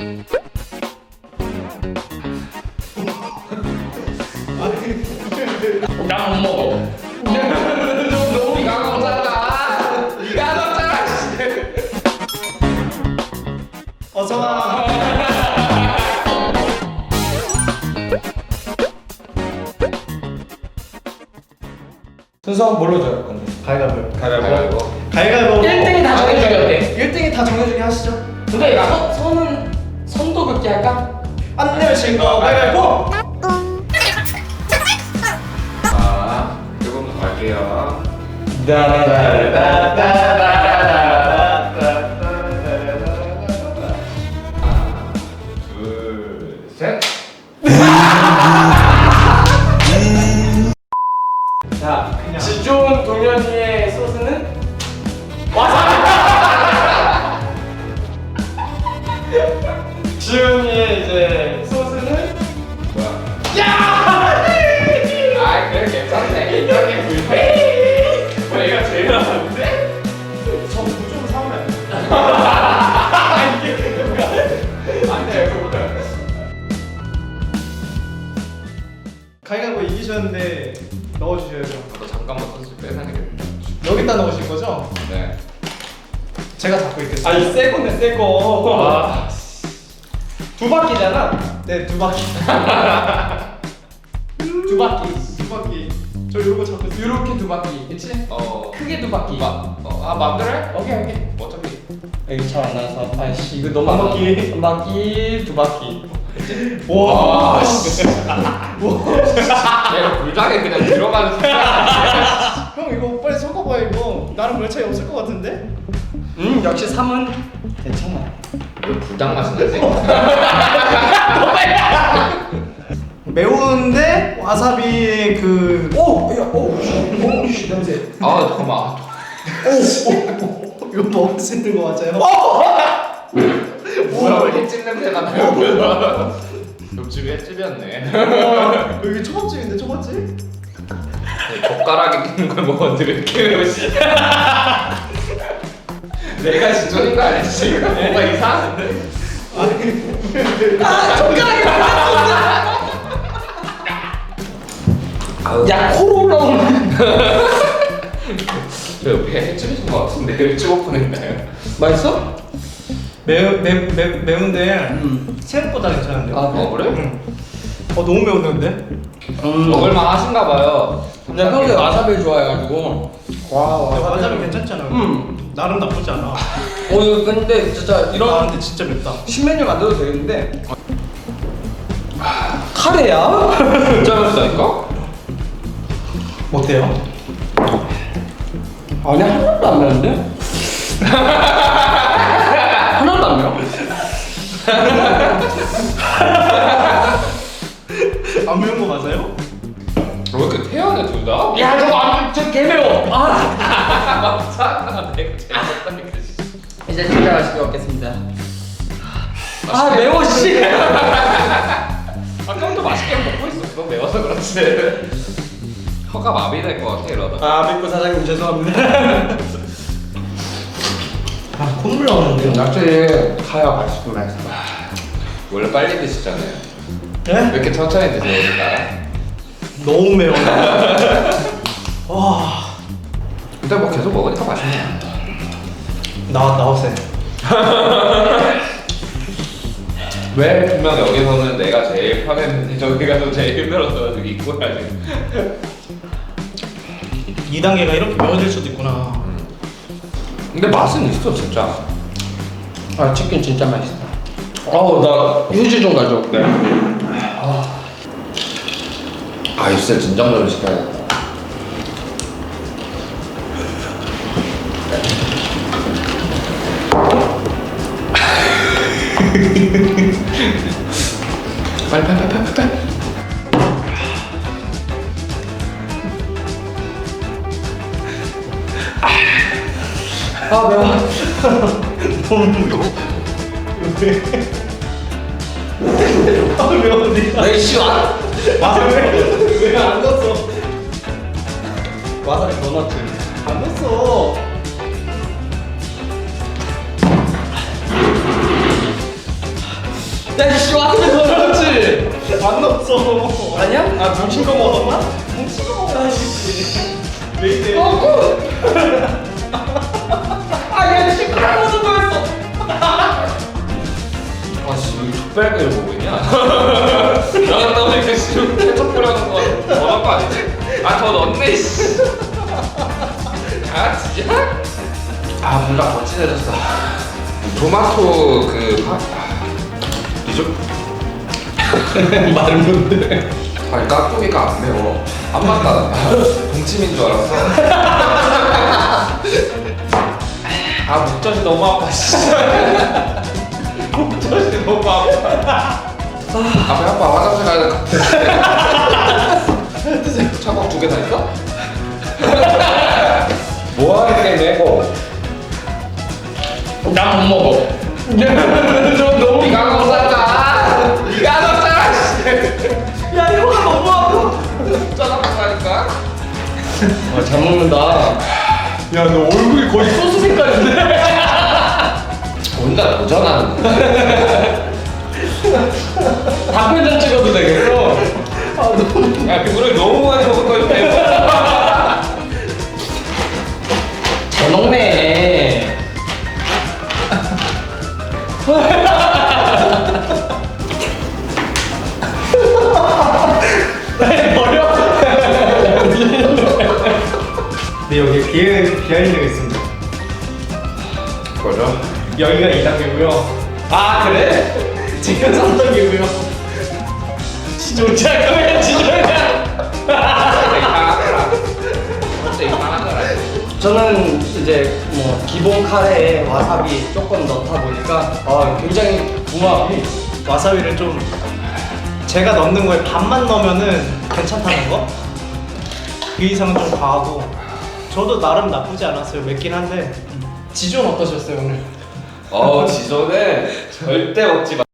나 못 먹어. 네가 먹잖아. 네가 먹잖아. 어서와. 순서 뭘로 정할 건데? 가위바위보. 가위바위보. 가위바위보. 1등이 다 정해주기 어때? 1등이 다 정해주게 하시죠. 근데 선은 선도 긋기 할까? 안 내면 진거 가위바위보. 자, 조금 갈게요. 하나, 둘, 셋. 자, 지존 동현이의 소스는 와사비. 지훈이의 이제 소스는 뭐야? 야! 아, 그래 괜찮네. 이렇게 불편해. 내가 제일 나았는데? 저 무조건 사오면 안 돼. 안 돼, 그거는. 가위바위보 이기셨는데 넣어주셔야죠. 너 잠깐만 선수 빼놔야겠다. 여기다 넣으실 거죠? 네. 제가 잡고 있겠습니다. 아이 새 거네 새 거. 아, 두 바퀴잖아. 네, 두 바퀴. 두 바퀴. 두 바퀴. 저 이런 거 잡고 있어요. 이렇게 두 바퀴. 그렇지? 어. 크게 두 바퀴. 마음대로 해? 오케이. 어차피. 여기 잘 안 나와서 아이씨 이거 너무 한 안 바퀴. 나와. 한 바퀴 두 바퀴. 와, 씨. 얘 불장에 그냥 들어가는 순간. 형 이거 빨리 섞어봐 이거. 나랑 별 차이 없을 것 같은데? 역시 3은 괜찮아. 이거 불장 맛이 나지? 매운데 와사비의 그 오, 야, 오, 씨, 냄새. 아, 잠깐만. 이거 먹을 수 있는 거 맞아요? 뭐야, 왜 햇집 냄새가 나요? 옆집이 햇집이었네. 와, 여기 초밥집인데 초밥집? 젓가락에 끼는 걸 먹었는데 왜 이렇게 매우시? 내가 지존인 거 아니지 지금? 뭔가 이상한데? 야, 코로 올라오는. 저 옆에 햇집이신 것 같은데 햇집 오픈했나요? 맛있어? 매운데 생각보다 괜찮은데? 아, 어 그래? 응. 너무 매운데? 먹을만 하신가 봐요. 내가 평소에 와사비를 좋아해가지고. 와, 와사비 괜찮잖아. 나름 나쁘지 않아. 이거 근데 진짜 아 이런 근데 진짜 맵다. 신메뉴 만들어도 되겠는데. 카레야? 진짜 맵다니까? 어때요? 아니 하나도 안 매운데? 하나도 안 매워? 안 매운 거 맞아요? 왜 이렇게 태연해 둘 다? 야 저거 개 매워. 맞잖아 내가 제일 맵다니까. 이제 진짜 맛있게 먹겠습니다. 아 매워 씨. 아까부터 맛있게 먹고 있었어. 매워서 그렇지. 혀가 마비될 것 같아 이러다. 아 믿고 사장님 죄송합니다. 아 콧물 나오는데요? 확실히 카야 맛있고 맛있어. 원래 빨리 드시잖아요. 왜 네? 이렇게 천천히 드세요, 우리가? 너무 매워. 와 근데 뭐 계속 먹으니까 맛있네. 나왔어요. 왜 분명 여기서는 내가 제일 편했는데 저기 가서 제일 힘들었어가지고 입고 해야지. 2단계가 이렇게 매워질 수도 있구나. 근데 맛은 있어 진짜. 아 치킨 진짜 맛있다. 어우 나 휴지 좀 가져올게. 아 입술 진정을 시켜야겠다. 빨리. 아 매워. 너무 매워. 아 매운데. 에이 씨 와. 와사비 왜안 넣었어? 와사비 더 넣었지. 안 넣었어. 야이씨 왔으면 더 넣었지. 안 넣었어. 아니야? 아 뭉친 거 먹었나? 뭉친 거 먹어야지. 왜 이래? 아야 씨 그걸 먹는 거였어. 아씨 여기 족발을 보고 있냐? 그러다 보니까 지금 케첩 뿌려놓은 거 더 넣은 거 아니지? 아 더 넣었네 씨. 아 진짜? 아 뭔가 더 진해졌어. 토마토 그 리조 말은 뭔데? 아니 깍두기가 안 매워. 안 맞다. 동치미인 줄 알았어. 아 목젖이 너무 아파. 씨. 목젖이 너무 아파. 아 배 아파. 화장실 가야 될 것 같아. 차박 2개 다 있어? 뭐하는 게 매고? 난 못 먹어. 저 너무 네가 먹었잖아. 네가 먹었잖아. 씨. 야 혀가 너무 아파. 짜장면이니까. 잘 먹는다. 야 너 얼굴이 거의 소스 색깔인데? 혼자 도전하는 거. 답변장 찍어도 되겠어. 야 그거를 너무 많이 먹은 거야. 잘 먹네. 버려. 네 여기 비하인드가 있습니다. 뭐죠? 여기가 2단계고요. 아 그래? 지금 3단계고요. 진짜 그래 진짜. 저는 이제 뭐 기본 카레에 와사비 조금 넣다 보니까 굉장히 궁합이. 와사비를 좀 제가 넣는 거에 반만 넣으면은 괜찮다는 거? 그 이상은 좀 과하고 저도 나름 나쁘지 않았어요. 맵긴 한데 지존 어떠셨어요 오늘? 지존은 절대 먹지 마.